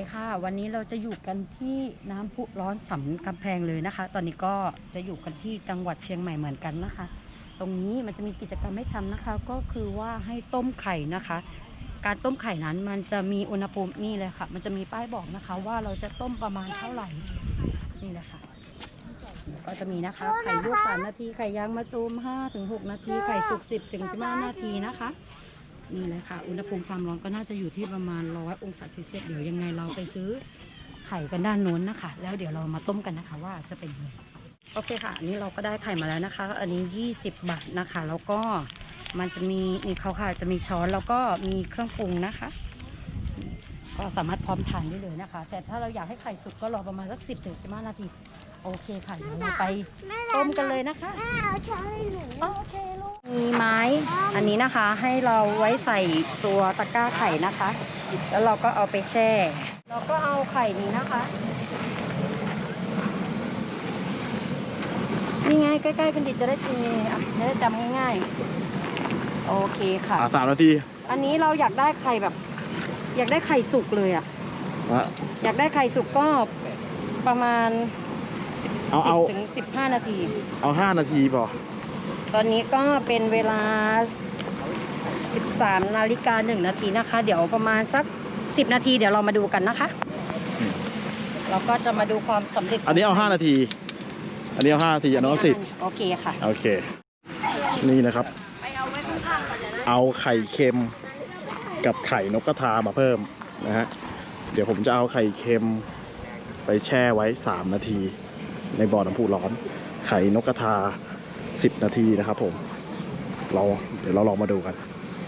ค่ะวันนี้เราจะอยู่กันที่น้ำพุร้อนสำกำแพงเลยนะคะ ตอนนี้ก็จะอยู่กันที่จังหวัดเชียงใหม่เหมือนกันนะคะ ตรงนี้มันจะมีกิจกรรมให้ทำนะคะ ก็คือว่าให้ต้มไข่นะคะ การต้มไข่นั้นมันจะมีอุณหภูมินี่เลยค่ะ มันจะมีป้ายบอกนะคะ ว่าเราจะต้มประมาณเท่าไหร่นี่เลยค่ะก็จะมีนะคะไข่ลวก3 นาทีไข่ยางมะตูม5-6 นาทีไข่สุก10-15 นาทีนะคะนี่เลยค่ะอุณหภูมิความร้อนก็น่าจะอยู่ที่ประมาณ100 องศาเซลเซียสเดี๋ยวยังไงเราไปซื้อไข่กันด้านโน้นนะคะแล้วเดี๋ยวเรามาต้มกันนะคะว่าจะเป็นยังไงโอเคค่ะอันนี้เราก็ได้ไข่มาแล้วนะคะอันนี้20 บาทนะคะแล้วก็มันจะมีนี่เขาค่ะจะมีช้อนแล้วก็มีเครื่องปรุงนะคะก็สามารถพร้อมทานได้เลยนะคะแต่ถ้าเราอยากให้ไข่สุกก็รอประมาณสัก10-15 นาทีโอเคค่ะเดี๋ยวเราไปต้มกันเลยนะคะแม่เอาช้อนให้หนูโอเคลูกมีไม้อันนี้นะคะให้เราไว้ใส่ตัวตะกร้าไข่นะคะแล้วเราก็เอาไปแช่เราก็เอาไข่นี้นะคะนี่ไงใกล้ๆกันดิจะได้กินจะได้จำง่ายๆโอเคค่ะ 3 นาทีอันนี้เราอยากได้ไข่แบบอยากได้ไข่สุกเลยอยากได้ไข่สุกก็ประมาณ10-15 นาทีเอา5 นาทีพอตอนนี้ก็เป็นเวลา13:01 นาทีนะคะเดี๋ยวประมาณสัก10 นาทีเดี๋ยวเรามาดูกันนะคะเราก็จะมาดูความสำเร็จอันนี้เอา5 นาทีอันนี้เอา5 นาทีอันนี้เอา10 โอเคค่ะโอเคนี่นะครับเอาไข่เค็มกับไข่นกกระทามาเพิ่มนะฮะเดี๋ยวผมจะเอาไข่เค็มไปแช่ไว้3 นาทีในบ่อน้ำพุร้อนไข่นกกระทา10 นาทีนะครับผมเดี๋ยวเราลองมาดูกัน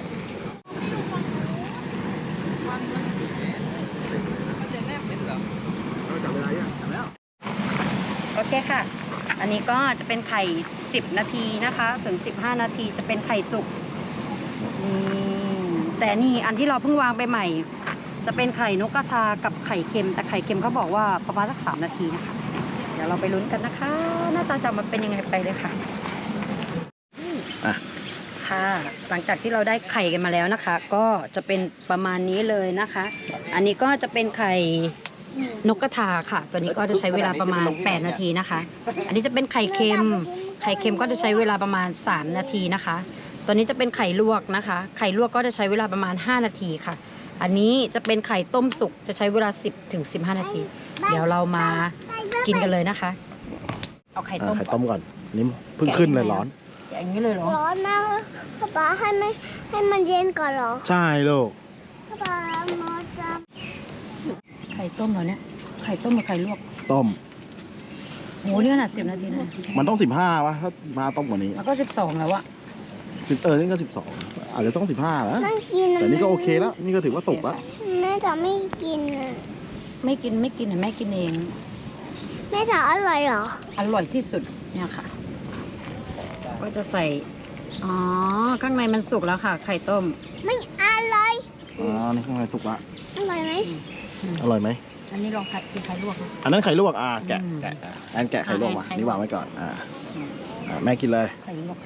โอเคค่ะอันนี้ก็จะเป็นไข่10 นาทีนะคะถึง15 นาทีจะเป็นไข่สุกแต่นี่อันที่เราเพิ่งวางไปใหม่จะเป็นไข่นกกระทากับไข่เค็มแต่ไข่เค็มเขาบอกว่าประมาณสัก3 นาทีนะคะเดี๋ยวเราไปลุ้นกันนะคะหน้าตาจะมันเป็นยังไงไปเลยค่ะค่ะหลังจากที่เราได้ไข่กันมาแล้วนะคะก็จะเป็นประมาณนี้เลยนะคะอันนี้ก็จะเป็นไข่นกกระทาค่ะตัวนี้ก็จะใช้เวลาประมาณ8 นาทีนะคะอันนี้จะเป็นไข่เค็มก็จะใช้เวลาประมาณ3 นาทีนะคะตัวนี้จะเป็นไข่ลวกนะคะไข่ลวกก็จะใช้เวลาประมาณ5 นาทีค่ะอันนี้จะเป็นไข่ต้มสุกจะใช้เวลา10-15 นาทีเดี๋ยวเรามากินกันเลยนะคะเอาไข่ต้มก่อนนี่เพิ่งขึ้นเลยร้อนอย่างนี้เลยเหรอร้อนมากป๊าให้มันเย็นก่อนเหรอใช่ลูกป๊ามาจับไข่ต้มเหรอเนี่ยไข่ต้มกับไข่ลวกต้มโหนี่ขนาด10 นาทีนะมันต้อง15วะถ้ามาต้มกว่านี้แล้วก็12แล้วอะนี่ก็12อาจจะต้อง15แล้วแต่นี่ก็โอเคแล้วนี่ก็ถือว่าสุกแล้วแม่จะไม่กินไม่กินแม่กินเองแม่จะอร่อยเหรออร่อยที่สุดเนี่ยค่ะก็จะใส่ข้างในมันสุกแล้วค่ะไข่ต้มไม่อร่อยนี่ข้างในสุกละอร่อยไหมอร่อยไหมอันนี้ลองกินไข่ลวกอันนั้นไข่ลวกแกะอันแกะไข่ลวกมานี่วางไว้ก่อนแม่กินเลยไข่ลวก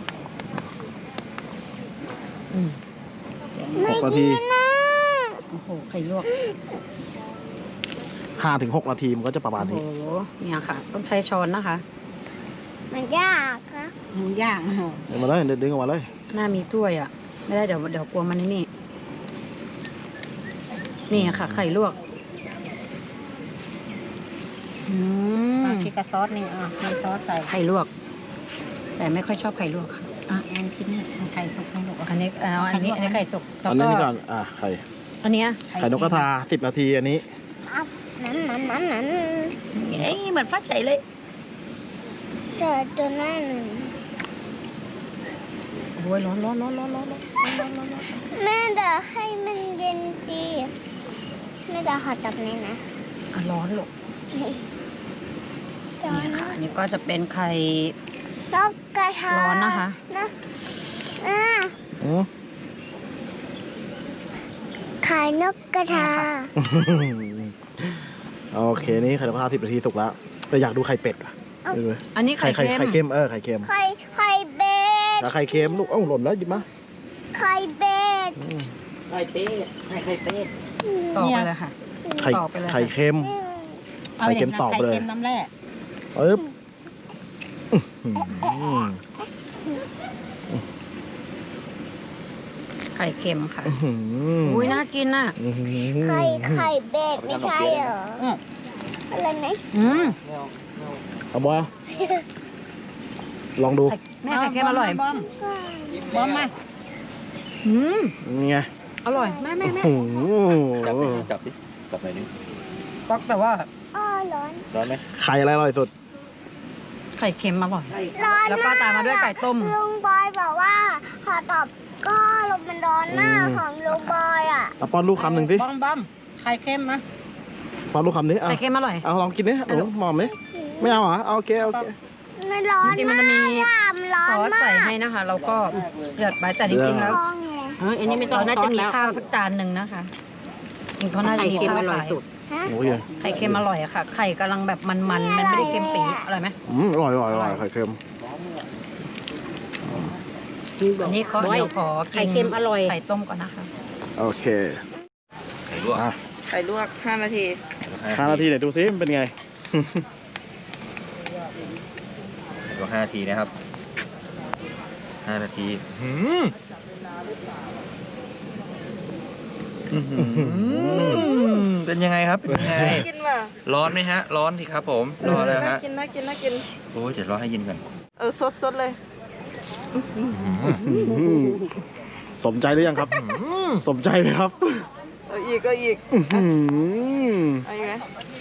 6 นาทีโอ้โหไข่ลวก 5-6 นาทีมันก็จะประมาณนี้โอ้โหเนี่ยค่ะต้องใช้ช้อนนะคะมันยากนะมันยากเดี๋ยวมาเลยดึงออกมาเลยหน้ามีถ้วยอ่ะไม่ได้เดี๋ยวกลัวมันนี่ค่ะไข่ลวกคิดกับซอสนี่มีซอสใส่ไข่ลวกแต่ไม่ค่อยชอบไข่ลวกค่ะแอนคิดนี่ไข่สุกอันนี้ไข่สุกอันนี้ก่อนไข่อันนี้ไข่นกกระทา10 นาทีอันนี้นั้นเหมือนฟักไก่เลยตัวหน้าหนึ่งโอ้ยร้อนแม่จะให้มันเย็นดีแม่จะหอจับนี่นะร้อนลูกนี่ค่ะอันนี้ก็จะเป็นไข่นกกระทาร้อนนะคะไข่นกกระทาโอเคนี่ไข่นกกระทา10 นาทีสุกแล้วแต่อยากดูไข่เป็ดอันนี้ไข่เค็มไข่เค็มไข่เบ็ดแล้วไข่เค็มลูกหล่นแล้วหยิบมาไข่เป็ดต่อไปเลยค่ะไข่ต่อไปเลยไข่เค็ม ไข่เค็มตอบเลยไข่เค็มน้ำแร่ปึ๊บอืมไข่เค็มค่ะอื้อหืออุ้ยน่ากินน่ะอื้อหือไข่เบ็ดไม่ใช่เหรออืมอะไรไหมอืมเอาบ่ลองดูแม่ไข่เค็มอร่อยบอมบอมมาอืมนี่ไงอร่อยแม่โอ้โหจับดิจับหน่อยนึงปักแต่ว่าอ้อร้อนร้อนไหมไข่อะไรอร่อยสุดไข่เค็มอร่อยร้อนแล้วก็ตามมาด้วยไก่ต้มลุงบอยบอกว่าขอตอบก็ลมมันร้อนมากของลุงบอยอ่ะเอาป้อนลูกคำหนึ่งสิบอมไข่เค็มนะป้อนลูกคำนี้เอาไข่เค็มอร่อยเอาลองกินดิหนูหมอมดิไม่เอาเหรอเอาโอเคโอเคมันร้อนจริงๆมันจะมีร้อซนอสมาใส่กให้นะคะ เราก็เดือดไปแต่จริงๆแล้วท้องเลยอันนี้ไม่ต้อเรางน่าจะมีแล้วข้าวสักจานหนึ่งนะคะจริงเขาน่าจะไข่มีเค็มข้าวอร่อยขายสุดฮะโอ้ยไข่เค็มอร่อยอะค่ะ ไข่กำลังแบบมันมันๆมันไม่ได้เค็มปีอร่อยไหมอร่อยอร่อยอร่อยไข่เค็มอันนี้เขาบอยเดี๋ยวขอกินไข่เค็มอร่อยไข่ต้มก่อนนะคะโอเคไข่ลวกอ่ะไข่ลวก5 นาที 5 นาทีเดี๋ยวดูซิมันเป็นไงลวก5 นาทีนะครับ5 นาทีเป็นยังไงครับเป็นยังไงกินว่ะร้อนไหมฮะ ร้อนสิครับผมร้อนแล้วฮะกินน่ากินโอ้ยเดี๋ยวรอให้เย็นก่อนสดเลยสมใจหรือยังครับ สมใจไหมครับอีกอื้อหือเอาอีกไหม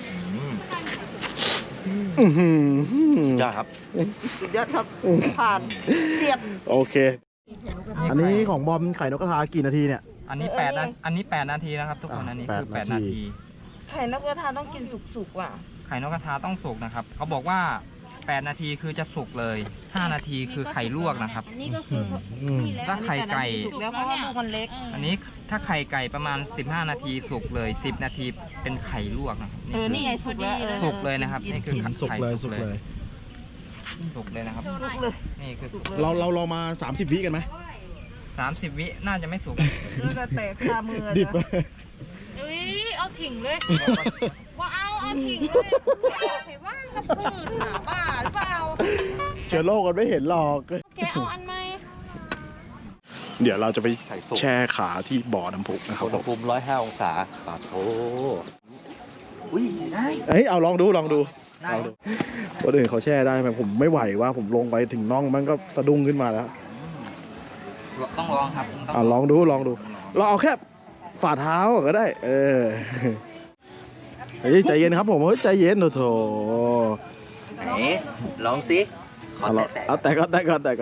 อื้อหือยอดครับสุดยอดครับ ผ่านเฉียบโอเค อันนี้ของบอมไข่นกกระทากี่นาทีเนี่ยอันนี้เอออันนี้8 นาทีนะครับทุกคน อันนี้คือ 8 8 นาทีไข่นกกระทาต้องกินสุกๆว่ะไข่นกกระทาต้องสุกนะครับ เขาบอกว่า 8 นาทีคือจะสุกเลย 5 นาทีคือไข่ลวกนะครับ ถ้าไข่ไก่สุกแล้วเพราะว่าลูกมันเล็กอันนี้ถ้าไข่ไก่ประมาณ 15 นาทีสุกเลย 10 นาทีเป็นไข่ลวกนะครับนี่ไงสุกแล้วสุกเลยนะครับ นี่คือไข่สุกเลยสุกเลยสุกเลยนะครับสุกเลยนี่คือสุกเรามา 30 วิกันไหม 30 วิน่าจะไม่สุกดูจะแตกคามือดิบนะอุ้ยเอาถิงเลย ว่าเอาถิงเลยเห็นว่ากับปืนหาบ้าหรือเปล่าเชื้อโรคกันไม่เห็นหรอกแกเอาอันไหมเดี๋ยวเราจะไปไข่สุกแช่ขาที่บ่อน้ำพุนะครับอุณหภูมิ105 องศาปาโถอุ้ยได้เอ้ยเอาลองดูลองดูคนอื่นเขาแช่ได้ไหมผมไม่ไหวว่าผมลงไปถึงน่องมันก็สะดุ้งขึ้นมาแล้วต้องลองครับลองดูลองดู เราเอาแค่ฝ่าเท้าก็ได้ เออเฮ้ยใจเย็นครับผมเฮ้ยใจเย็นโถไหนลองสิขอเอาแตะเอาแต่ก่อน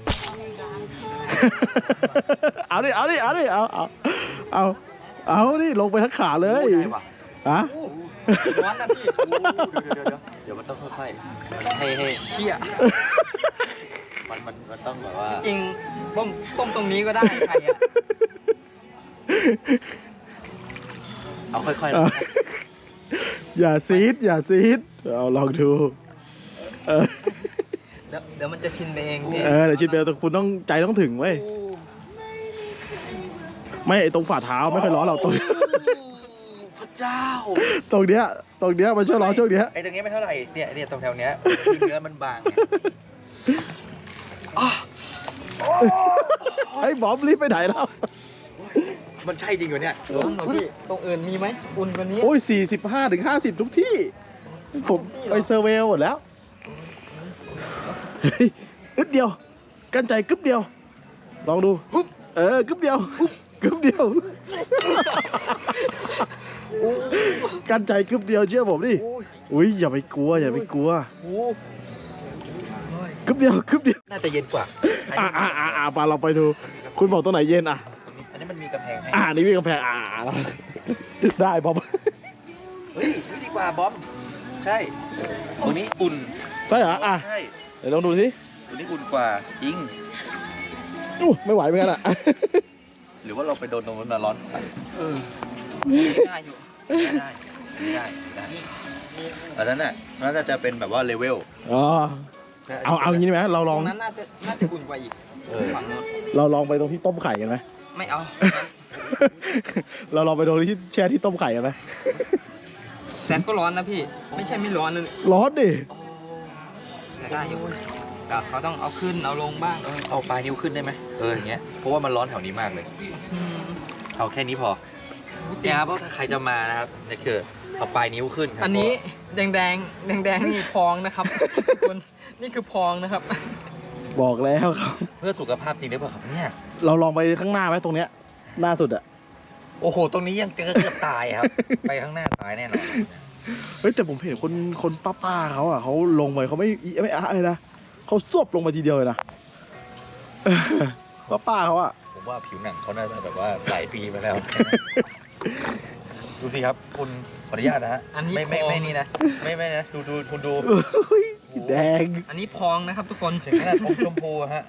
เอาดิเอาดิลงไปทั้งขาเลยได้ว่ะฮะร้อนนะพี่เดี๋ยวมันต้องค่อยๆให้เชี่ยมันต้องแบบว่าจริงต้มตรงนี้ก็ได้ไข่อะเอาค่อยๆเอาอย่าซีดเอาลองดูเออเดี๋ยวมันจะชินไปเองพี่เดี๋ยวชิดไปคุณต้องใจต้องถึงเว้ยไม่ไอตรงฝ่าเท้าไม่ค่อยร้อนเราตรงพระเจ้าตรงเนี้ยมันช่วยร้อนช่วงเนี้ยไอ้ตรงเนี้ยไม่เท่าไหร่ เนี่ยตรงแถวเนี้ยที่เนื้อมันบางไงไอ้บอมรีบไปไหนแล้วมันใช่จริงเหรอเนี่ยร้อนเหรอพี่ตรงอื่นมีไหมอุ่นกว่านี้โอ้ย45-50ทุกที่ ผมไปเซอร์เวลหมดแล้วเฮ้ยอึดเดียว กั้นใจกึ๊บเดียว ลองดูกึ๊บเดียวกึ๊บเดียว กั้นใจกึ๊บเดียวเชื่อผมดิ อุ้ยอย่าไปกลัวกึ๊บเดียวน่าจะเย็นกว่าปาเราไปดู คุณบอกตรงไหนเย็นอ่ะอันนี้มันมีกำแพงให้นี่มีกำแพงได้บอมเฮ้ยนี่ดีกว่าบอม ใช่ตรงนี้อุ่นใช่เหรอใช่ เดี๋ยวลองดูสิตรงนี้อุ่นกว่าจริงไม่ไหวเหมือนกันอ่ะหรือว่าเราไปโดนตรงนู้นน่ะร้อนกว่าง่ายอยู่ได้อันนั้นน่ะน่าจะเป็นแบบว่าเลเวลเอาอย่างนี้ไหมเราลตอรง งนั้นน่าจะอุ่นกว่าอีกเออฝั่งนู้นเราลองไปตรงที่ต้มไข่กันไหมไม่เอาเราลองไปโดนที่แช่ที่ต้มไข่กันไหมแต่ก็ร้อนนะพี่ ไม่ใช่ไม่ร้อนเลยร้อนดิแต่ได้อยู่ก็เขาต้องเอาขึ้นเอาลงบ้างเอาปลายนิ้วขึ้นได้ไหมอย่างเงี้ยเพราะว่ามันร้อนแถวนี้มากเลย เอาแค่นี้พอเนี่ยครับเพราะถ้าใครจะมานะครับนี่คือเอาปลายนิ้วขึ้นครับอันนี้แดงนี่พองนะครับทุกคนนี่คือพองนะครับบอกแล้วครับเพื่อสุขภาพจริงหรือเปล่าครับเนี่ยเราลองไปข้างหน้าไหมตรงเนี้ยหน้าสุดอะโอ้โหตรงนี้ยังเกือบตายครับ ไปข้างหน้าตายแน่นอนเฮ้ยแต่ผมเห็นคนป้าเขาอะเขาลงไปเขาไม่อะเลยนะเขาซวบลงไปทีเดียวเลยนะ ป้าเขาอะผมว่าผิวหนังเขาน่าจะแบบว่าหลายปีมาแล้ว ดูสิครับคุณขออนุญาตนะฮะอันนี้ไม่นี่นะไม่นะดูคุณดูเฮ้ยแดงอันนี้พองนะครับทุกคนถึงขนาดอมชมพูอะฮะ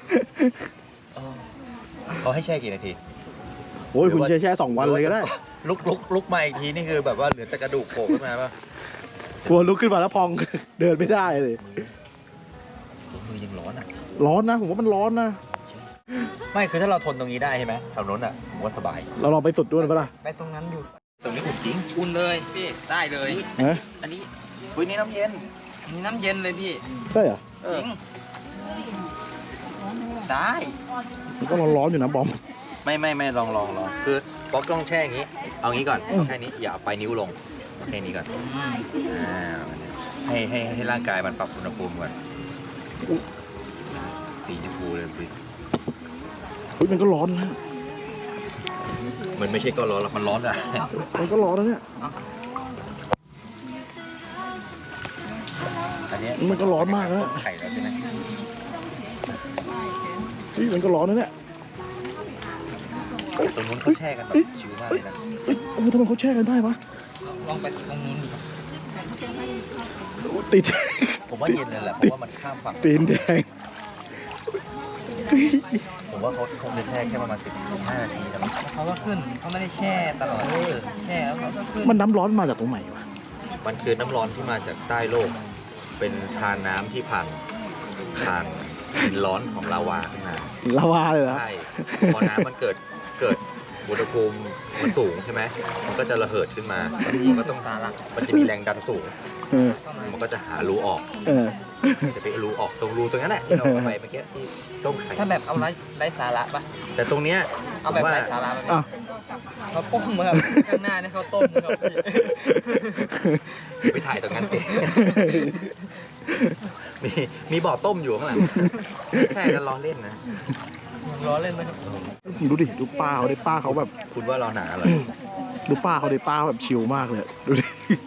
เขาให้แช่กี่นาทีโอ้ยคุณแช่2 วันเลยก็ได้ลุกมาอีกทีนี่คือแบบว่าเหลือแต่กระดูกโผล่ขึ้นมาป่ะกลัวลุกขึ้นมาแล้วพอง เดินไม่ได้เลยมือยังร้อนอ่ะร้อนนะผมว่ามันร้อนนะไม่คือถ้าเราทนตรงนี้ได้ใช่ไหมแถวนู้นอ่ะผมว่าสบายเราลองไปสุดด้วยปะล่ะไปตรงนั้นอยู่ตรงนี้อุ่นจริงอุ่นเลยพี่ได้เลยฮะอันนี้นี่น้ำเย็นมีน้ำเย็นเลยพี่ใช่เหรอจริงได้มันก็ร้อนๆอยู่นะบอมไม่ลองคือป๊อกต้องแช่อย่างนี้ เอางี้ก่อนอืมแค่นี้อย่าเอาปลายนิ้วลงแค่นี้ก่อนอืมให้ร่างกายมันปรับอุณหภูมิก่อนสีชมพูเลยสิเฮ้ยมันก็ร้อนนะมันไม่ใช่ก็ร้อนหรอกมันร้อนอ่ะมันก็ร้อนนะเนี่ยอันเนี้ยมันก็ร้อนมากนะไข่แล้วใช่ไหมเฮ้ยมันก็ร้อนนะเนี่ยตรงนู้นเขาแช่กันแบบชิวมากเลยนะเอ้ยทำไมเขาแช่กันได้วะลองไปตรงนู้นดิติดผมว่าเย็นเลยแหละเพราะว่ามันข้ามฝั่งตีนแดงผมว่าเขาคงจะแช่แค่ประมาณ15 นาทีนะมั้งเขาก็ขึ้นเขาไม่ได้แช่ตลอดแช่แล้วเขาก็ขึ้นมันน้ำร้อนมาจากตรงไหนวะมันคือน้ำร้อนที่มาจากใต้โลก เป็นทานน้ำที่ผ่านดินร้อนของลาวาขึ้นมาลาวาเลยเหรอใช่ พอน้ำมันเกิดอุณหภูมิมันสูงใช่ไหม มันก็จะระเหิดขึ้นมา มันก็ต้องมันจะมีแรงดันสูงเออมันก็จะหารูออกเออจะไปรูออกตรงรูตรงนั้นแหละที่เราเอาไปเมื่อกี้ที่ต้มไข่ถ้าแบบเอาไร้สาระปะแต่ตรงเนี้ยเอาแบบผมว่าไร้สาระปะอ้าวเขาต้มมาครับข้างหน้าเนี่ยเขาต้มนะครับพี่ไปถ่ายตรงนั้นสิ มีบ่อต้มอยู่ข้างหลังใช่แล้วล้อเล่นนะล้อเล่นไหมครับดูดิดูป้าเขาดิป้าเขาแบบคุณว่าเราหนาอะไรดูป้าเขาดิป้าแบบชิลมากเลยดูดิ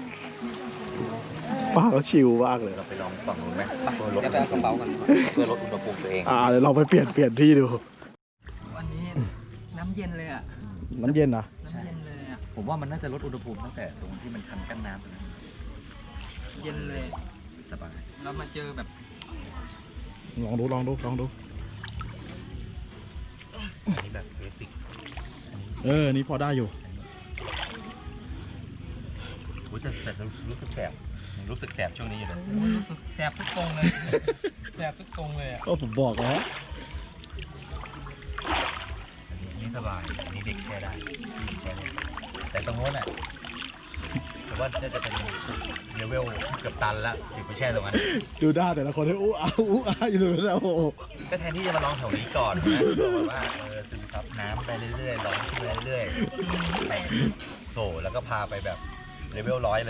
ป้าเขาชิลมากเลยเราไปลองฝั่งนู้นไหมเพื่อลดเดี๋ยวไปเอากระเป๋ากันดีกว่าเพื่อลดอุณหภูมิตัวเองเดี๋ยวเราไปเปลี่ยนที่ดูวันนี้น้ำเย็นเลยอ่ะน้ำเย็นนะน้ำเย็นเลยอ่ะผมว่ามันน่าจะลดอุณหภูมิตั้งแต่ตรงที่มันคันกั้นน้ำตรงนั้นเย็นเลยสบายเรามาเจอแบบลองดูอันนี้แบบเบสิกนี่พอได้อยู่แต่รู้สึกแสบรู้สึกแสบช่วงนี้อยู่เลยรู้สึกแสบทุกตรงเลยแสบทุกตรงเลยอ่ะก็ผมบอกแล้วอันนี้สบายอันนี้เด็กแช่ได้แช่ได้แต่ตรงโน้นอ่ะผมว่าน่าจะเป็นเลเวลเกือบตันแล้วถึงไปแช่ตรงนั้นดูหน้าแต่ละคนให้อู้อ้าอยู่ตรงนั้นโอ้โหก็แทนที่จะมาลองแถวนี้ก่อนนะแบบว่าซึมซับน้ำไปเรื่อยๆร้อนขึ้นไปเรื่อยๆแต่โถแล้วก็พาไปแบบเลเวล100 เลย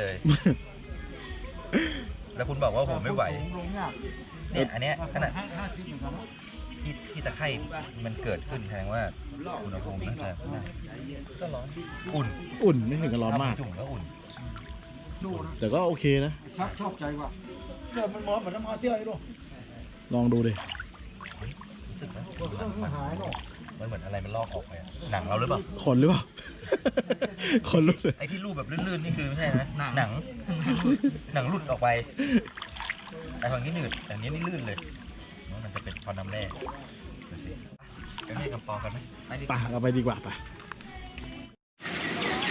แล้วคุณบอกว่าผมไม่ไหวเนี่ยอันเนี้ยขนาดที่ตะไคร่มันเกิดขึ้นแสดงว่าอุณหภูมิน่าจะก็ร้อนอุ่นไม่ถึงกับร้อนมากจุ่มก็อุ่นแต่ก็โอเคนะชอบใจว่ะเกิดมันร้อนเหมือนน้ำมันที่ไรด้วยลองดูดิรู้สึกไหมมันเหมือนอะไรมันลอกออกไปอะหนังเราหรือเปล่าขนหรือเปล่า ขนลุกเลยไอ้ที่รูปแบบลื่นๆนี่คือไม่ใช่นะหนังหลุดออกไปไอ้ฝั่งนี้หนืดแต่อันนี้นี่ลื่นเลยมันจะเป็นพอน้ำแร่ไปให้กำปองกันไหมไปเราไปดีกว่าไป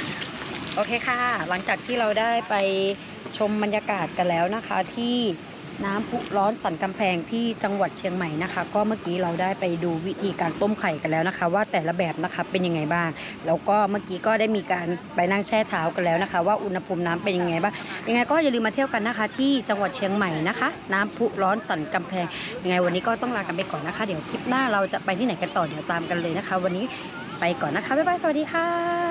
โอเคค่ะ หลังจากที่เราได้ไปชมบรรยากาศกันแล้วนะคะที่น้ำพุร้อนสันกำแพงที่จังหวัดเชียงใหม่นะคะ ก็เมื่อกี้เราได้ไปดูวิธีการต้มไข่กันแล้วนะคะ ว่าแต่ละแบบนะคะเป็นยังไงบ้างแล้วก็เมื่อกี้ก็ได้มีการไปนั่งแช่เท้ากันแล้วนะคะ ว่าอุณหภูมิน้ำเป็นยังไงบ้างยังไงก็อย่าลืมมาเที่ยวกันนะคะ ที่จังหวัดเชียงใหม่นะคะ น้ำพุร้อนสันกำแพงยังไงวันนี้ก็ต้องลากันไปก่อนนะคะ เดี๋ยวคลิปหน้าเราจะไปที่ไหนกันต่อเดี๋ยวตามกันเลยนะคะ วันนี้ไปก่อนนะคะบ๊ายบายสวัสดีค่ะ